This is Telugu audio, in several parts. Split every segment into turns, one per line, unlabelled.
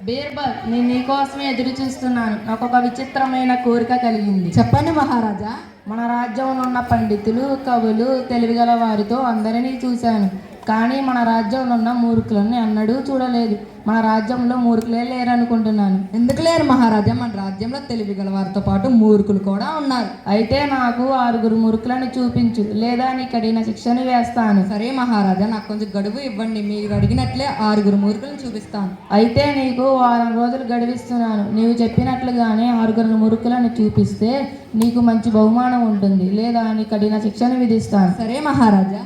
బీర్బల్, నేను నీకోసమే ఎదురు చూస్తున్నాను. నాకు ఒక విచిత్రమైన కోరిక కలిగింది.
చెప్పండి మహారాజా.
మన రాజ్యంలో ఉన్న పండితులు, కవులు, తెలివిగల వారితో అందరినీ చూశాను. కానీ మన రాజ్యంలో ఉన్న మూర్ఖులను ఎన్నడూ చూడలేదు. మన రాజ్యంలో మూర్ఖులే లేరనుకుంటున్నాను.
ఎందుకు లేరు మహారాజా? మన రాజ్యంలో తెలివి గల వారితో పాటు మూర్ఖులు కూడా ఉన్నారు.
అయితే నాకు 6 మూర్ఖులను చూపించు, లేదా నీ కఠిన శిక్షను వేస్తాను.
సరే మహారాజా, నాకు కొంచెం గడువు ఇవ్వండి. మీరు అడిగినట్లే 6 మూర్ఖులను చూపిస్తాను.
అయితే నీకు 1 రోజులు గడువిస్తున్నాను. నీవు చెప్పినట్లుగానే 6 మూర్ఖులను చూపిస్తే నీకు మంచి బహుమానం ఉంటుంది, లేదా నీ కఠిన శిక్షను విధిస్తాను.
సరే మహారాజా.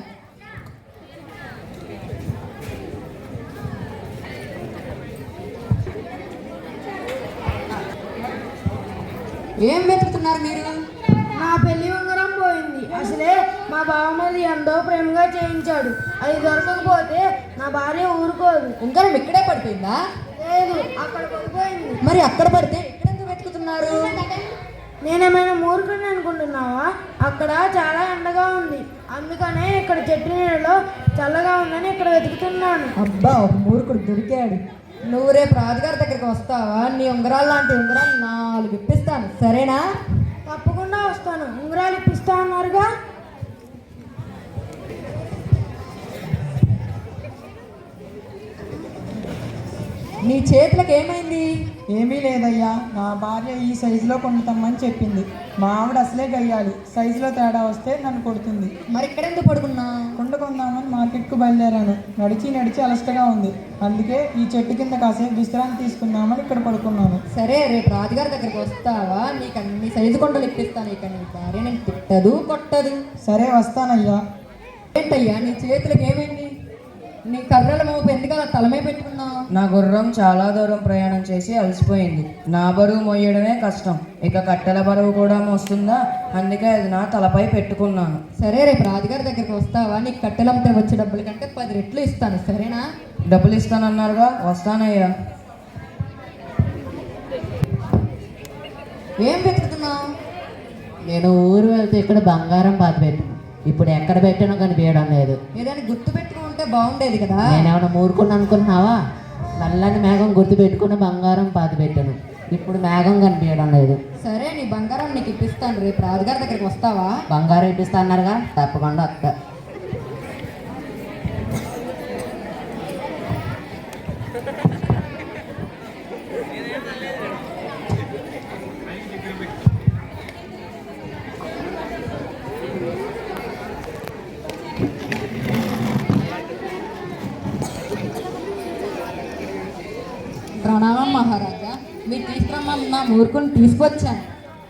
ఏం వెతుకుతున్నారు మీరు?
నా పెళ్లి ఉంగరం పోయింది. అసలే మా బావమది ఎంతో ప్రేమగా చేయించాడు. అది దొరకకపోతే నా భార్య ఊరుకోదు.
ఉంగరం ఇక్కడే పడిపోయిందా?
లేదు, అక్కడ పడిపోయింది.
మరి అక్కడ పడితే ఇక్కడ ఎందుకు వెతుకుతున్నారు?
నేనేమైనా మూర్ఖుడిని అనుకుంటున్నావా? అక్కడ చాలా ఎండగా ఉంది, అందుకనే ఇక్కడ చెట్టు నీడలో చల్లగా ఉందని ఇక్కడ వెతుకుతున్నాను.
అబ్బా, ఒక మూర్ఖుడు దొరికాడు. నువ్వు రేపు రాజుగారి దగ్గరికి వస్తావా? నీ ఉంగరాలు లాంటి ఉంగరాలు 4 ఇప్పిస్తాను, సరేనా?
తప్పకుండా వస్తాను. ఉంగరాలు ఇప్పిస్తా అన్నారుగా.
నీ చేతులకు ఏమైంది?
ఏమీ లేదయ్యా, నా భార్య ఈ సైజులో కొంటామని చెప్పింది. మా ఆవిడ అసలే గయ్యాలి, సైజులో తేడా వస్తే నన్ను కొడుతుంది.
మరి ఇక్కడ ఎందుకు పడుకున్నా?
కుండ కొందామని మార్కెట్కు బయలుదేరాను. నడిచి అలసటగా ఉంది, అందుకే ఈ చెట్టు కింద కాసేపు విశ్రాంతి తీసుకుందామని ఇక్కడ పడుకున్నాను.
సరే, రేపు రాజుగారి దగ్గరికి వస్తావా? నీకు అన్ని సైజు కొండలు ఇప్పిస్తాను. ఇక నీ భార్య నేను తిట్టదు, కొట్టదు.
సరే, వస్తానయ్యా.
ఏంటయ్యా నీ చేతులకు ఏమైంది? నీ కర్రల మోపు ఎందుకు అలా తలమే పెట్టుకున్నావు?
నా గుర్రం చాలా దూరం ప్రయాణం చేసి అలసిపోయింది. నా బరువు మోయడమే కష్టం, ఇక కట్టెల బరువు కూడా మోస్తుందా, అందుకే అది నా తలపై పెట్టుకున్నాను.
సరే, రేపు రాజుగారి దగ్గరికి వస్తావా? నీకు కట్టెలంటే వచ్చే డబ్బుల కంటే 10 రెట్లు ఇస్తాను, సరేనా?
డబ్బులు ఇస్తానన్నారుగా, వస్తానయ్యా.
ఏం వెతుకుతున్నావు?
నేను ఊరు వెళ్తే ఇక్కడ బంగారం పాతి పెట్టాను. ఇప్పుడు ఎక్కడ పెట్టానో కనిపించడం లేదు.
ఏదైనా గుర్తు పెట్టుకుంటే బాగుండేది కదా.
నేనేమన్నా మూరుకుని అనుకున్నావా? నల్లని మేఘం గుర్తు పెట్టుకుని బంగారం పాతి పెట్టాను. ఇప్పుడు మేఘం కనిపించడం లేదు.
సరే, నీ బంగారం నీకు ఇప్పిస్తాను. రేపు రాజుగారి దగ్గరికి వస్తావా?
బంగారం ఇప్పిస్తా అన్నారుగా, తప్పకుండా వస్తా.
ప్రణామం మహారాజా. మీరు తీసుకురమ్మన్న మూర్ఖుని తీసుకొచ్చాను.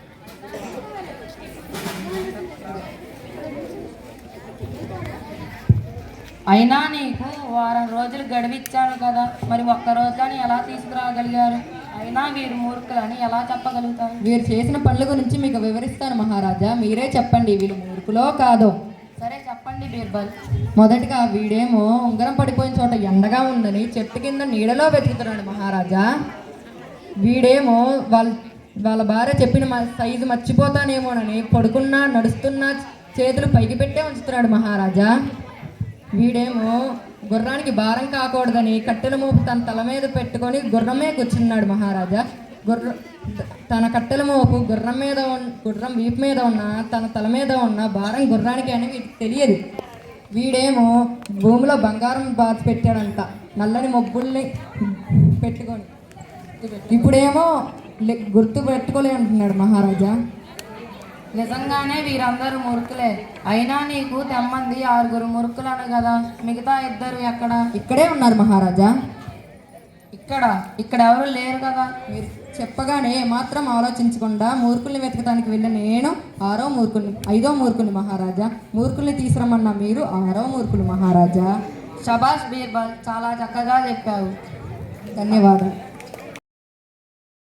అయినా నీకు 1 రోజులు గడువిచ్చాను కదా, మరి 1 రోజులని ఎలా తీసుకురాగలిగారు? అయినా వీరు మూర్ఖులని ఎలా చెప్పగలుగుతారు?
వీరు చేసిన పనుల గురించి మీకు వివరిస్తాను మహారాజా. మీరే చెప్పండి, వీళ్ళు మూర్ఖులో కాదో.
సరే చెప్పండి బీర్బల్.
మొదటిగా వీడేమో ఉంగరం పడిపోయిన చోట ఎండగా ఉందని చెట్టు కింద నీడలో వెతుకుతున్నాడు మహారాజా. వీడేమో వాళ్ళ భార్య చెప్పిన సైజు మర్చిపోతానేమోనని పడుకున్నా నడుస్తున్నా చేతులు పైకి పెట్టే ఉంచుతున్నాడు మహారాజా. వీడేమో గుర్రానికి భారం కాకూడదని కట్టెల మోపు తన తల మీద పెట్టుకొని గుర్రమే కూర్చున్నాడు మహారాజా. తన కట్టెల మోపు గుర్రం వీపు మీద ఉన్న తన తల మీద ఉన్న భారం గుర్రానికి అని వీటికి తెలియదు. వీడేమో భూమిలో బంగారం బాచి పెట్టాడంట నల్లని మొబ్బుల్ని పెట్టుకొని. ఇప్పుడేమో గుర్తు పెట్టుకోలే అంటున్నాడు మహారాజా.
నిజంగానే వీరందరూ మూర్ఖులే. అయినా నీకు తెమ్మంది 6 మూర్ఖులను కదా, మిగతా 2 ఎక్కడ?
ఇక్కడే ఉన్నారు మహారాజా.
ఇక్కడ ఎవరు లేరు కదా.
మీరు చెప్పగానే మాత్రం ఆలోచించకుండా మూర్ఖుల్ని వెతకడానికి వెళ్ళిన నేను 5వ మూర్ఖుని మహారాజా. మూర్ఖుల్ని తీసుకురమ్మన్నా మీరు 6వ మూర్ఖులు మహారాజా.
షబాష్ బీర్బల్, చాలా చక్కగా చెప్పావు.
ధన్యవాదాలు.